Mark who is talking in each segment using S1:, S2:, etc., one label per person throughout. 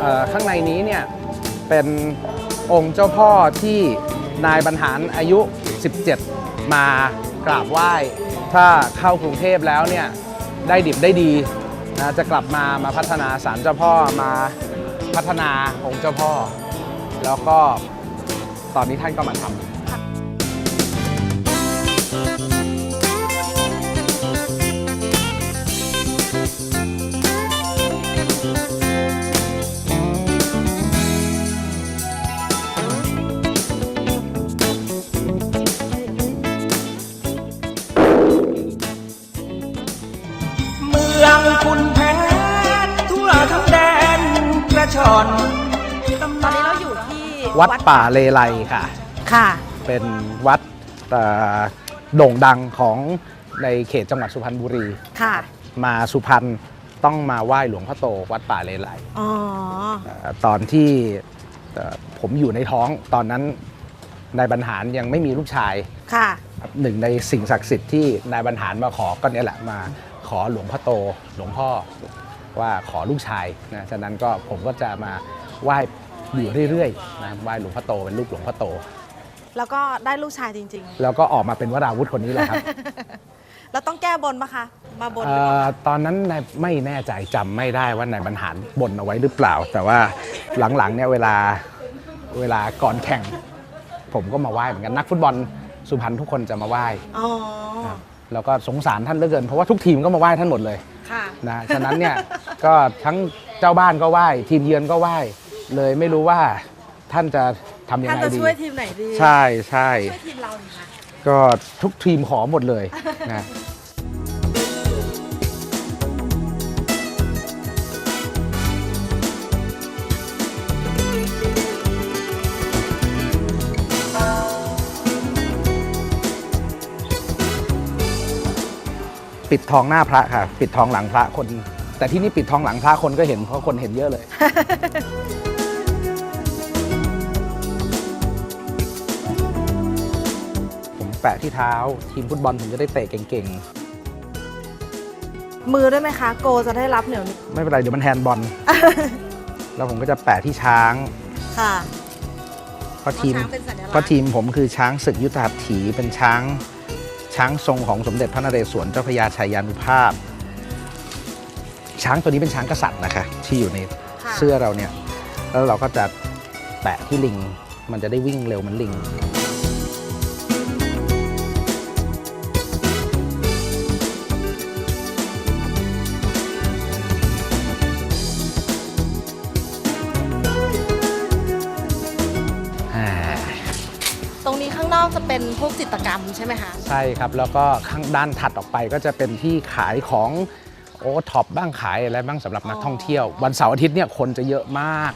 S1: ข้างในนี้เนี่ยเป็นองค์เจ้าพ่อที่นายบรรหารอายุ 17 มากราบไหว้ถ้าเข้ากรุงเทพแล้วเนี่ยได้ดิบได้ดีนะจะกลับมาพัฒนาศาลเจ้าพ่อมาพัฒนาองค์เจ้าพ่อแล้วก็ตอนนี้ท่านก็มาทำ
S2: เมืองคุณแพ้ทั่วทั้งแดนกระชอน
S3: ตอนนี้เราอยู่ที่
S1: วัดป่าเลไลค่ะ
S3: ค่ะ
S1: เป็นวัดโด่งดังของในเขตจังหวัดสุพรรณบุรี
S3: ค่ะ
S1: มาสุพรรณต้องมาไหว้หลวงพ่อโตวัดป่าเลไลตอนที่ผมอยู่ในท้องตอนนั้นนายบรรหารยังไม่มีลูกชาย
S3: ค่ะ
S1: หนึ่งในสิ่งศักดิ์สิทธิ์ที่นายบรรหารมาขอก็เนี่ยแหละมาขอหลวงพ่อโตหลวงพ่อว่าขอลูกชายนะฉะนั้นก็ผมก็จะมาไหว้อยู่เรื่อยๆนะไหว้หลวงพ่อโตเป็นลูกหลวงพ่อโต
S3: แล้วก็ได้ลูกชายจริง
S1: ๆแล้วก็ออกมาเป็นวราวุธคนนี้แหละครับ
S3: แล้วต้องแก้บนปะคะมาบน
S1: ตอนนั้นไม่แน่ใจจำไม่ได้ว่านายบรรหารบนเอาไว้หรือเปล่าแต่ว่าหลังๆเนี่ยเวลาก่อนแข่งผมก็มาไหว้เหมือนกันนักฟุตบอลสุพรรณทุกคนจะมาไหว้แล้วก็สงสารท่านเหลือเกินเพราะว่าทุกทีมก็มาไหว้ท่านหมดเลยนะฉะนั้นเนี่ยก็ทั้งเจ้าบ้านก็ไหว้ทีมเยือนก็ไหว้เลยไม่รู้ว่าท่านจะทำยังไงดีท่าน
S3: จะช่วยทีมไหนดี
S1: ใช่ใช่
S3: ช่วยทีมเราค่ะ
S1: ก็ทุกทีมขอหมดเลยนะปิดทองหน้าพระค่ะปิดทองหลังพระคนแต่ที่นี่ปิดทองหลังพระคนก็เห็นเพราะคนเห็นเยอะเลย ผมแปะที่เท้าทีมฟุตบอลผมจะได้เตะเก่ง
S3: ๆมือได้ไหมคะโกจะได้รับเหนียวนิด
S1: ไม่เป็นไรเดี๋ยวมันแฮนด์บอล แล้วผมก็จะแปะที่ช้าง
S3: ค่ะ
S1: เพราะทีมผมคือช้างศึกยุทธหัตถีเป็นช้างทรงของสมเด็จพระนเรศวรเจ้าพระยาชัยยานุภาพช้างตัวนี้เป็นช้างกษัตริย์นะคะที่อยู่ในเสื้อเราเนี่ยแล้วเราก็จะแปะที่ลิงมันจะได้วิ่งเร็วเหมือนลิง
S3: ตรงนี้ข้างนอกจะเป็นพวกจิตรกรรมใช่ไหมคะ
S1: ใช่ครับแล้วก็ข้างด้านถัดออกไปก็จะเป็นที่ขายของโอท็อปบ้างขายอะไรบ้างสำหรับนักท่องเที่ยววันเสาร์อาทิตย์เนี่ยคนจะเยอะมาก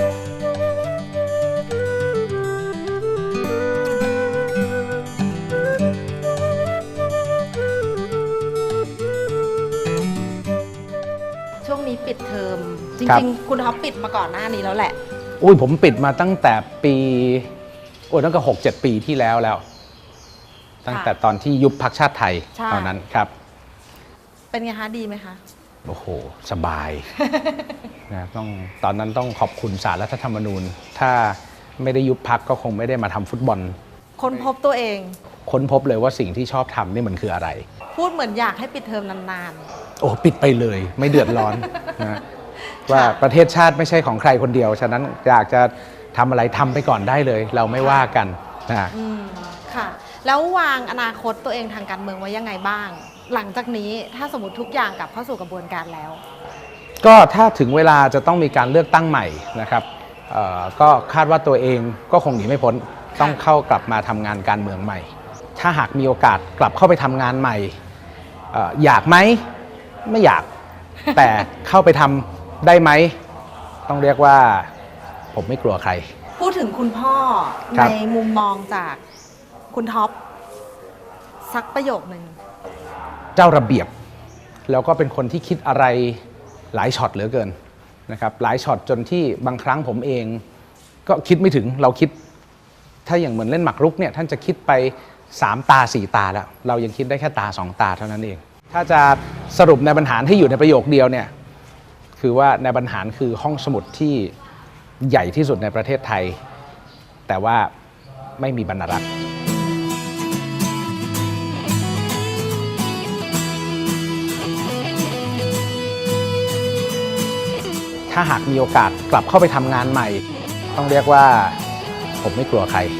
S3: ช่วงนี้ปิดเทอมจริงๆคุณท็อปปิดมาก่อนหน้านี้แล้วแหละ
S1: อุ้ยผมปิดมาตั้งแต่ปีตั้งแต่6-7 ปีที่แล้วตั้งแต่ตอนที่ยุบพรรคชาติไทยตอนนั้นครับ
S3: เป็นไงคะดีไหมคะ
S1: โอ้โหสบาย นะตอนนั้นต้องขอบคุณศาลรัฐธรรมนูญถ้าไม่ได้ยุบพรรคก็คงไม่ได้มาทำฟุตบอล
S3: ค้นพบตัวเอง
S1: ค้นพบเลยว่าสิ่งที่ชอบทำนี่มันคืออะไร
S3: พูดเหมือนอยากให้ปิดเทอมนาน
S1: ๆโอ้ปิดไปเลยไม่เดือดร้อนนะว่าประเทศชาติไม่ใช่ของใครคนเดียวฉะนั้นอยากจะทำอะไรทำไปก่อนได้เลยเราไม่ว่ากันนะ
S3: ค่ะแล้ววางอนาคตตัวเองทางการเมืองไว้ยังไงบ้างหลังจากนี้ถ้าสมมติทุกอย่างกลับเข้าสู่กระบวนการแล้ว
S1: ก็ถ้าถึงเวลาจะต้องมีการเลือกตั้งใหม่นะครับก็คาดว่าตัวเองก็คงหนีไม่พ้นต้องกลับมาทำงานการเมืองใหม่ถ้าหากมีโอกาสกลับเข้าไปทำงานใหม่อยากไหมไม่อยาก แต่เข้าไปทำได้ไหมต้องเรียกว่าผมไม่กลัวใคร
S3: พูดถึงคุณพ่อในมุมมองจากคุณท็อปสักประโยคนึง
S1: เจ้าระเบียบแล้วก็เป็นคนที่คิดอะไรหลายช็อตเหลือเกินนะครับหลายช็อตจนที่บางครั้งผมเองก็คิดไม่ถึงเราคิดถ้าอย่างเหมือนเล่นหมากรุกเนี่ยท่านจะคิดไป3 ตา 4 ตาแล้วเรายังคิดได้แค่ตา 2 ตาเท่านั้นเองถ้าจะสรุปในบรรหารให้อยู่ในประโยคเดียวเนี่ยคือว่าในบรรหารคือห้องสมุดที่ใหญ่ที่สุดในประเทศไทย แต่ว่าไม่มีบรรณารักษ์ถ้าหากมีโอกาสกลับเข้าไปทำงานใหม่ ต้องเรียกว่าผมไม่กลัวใคร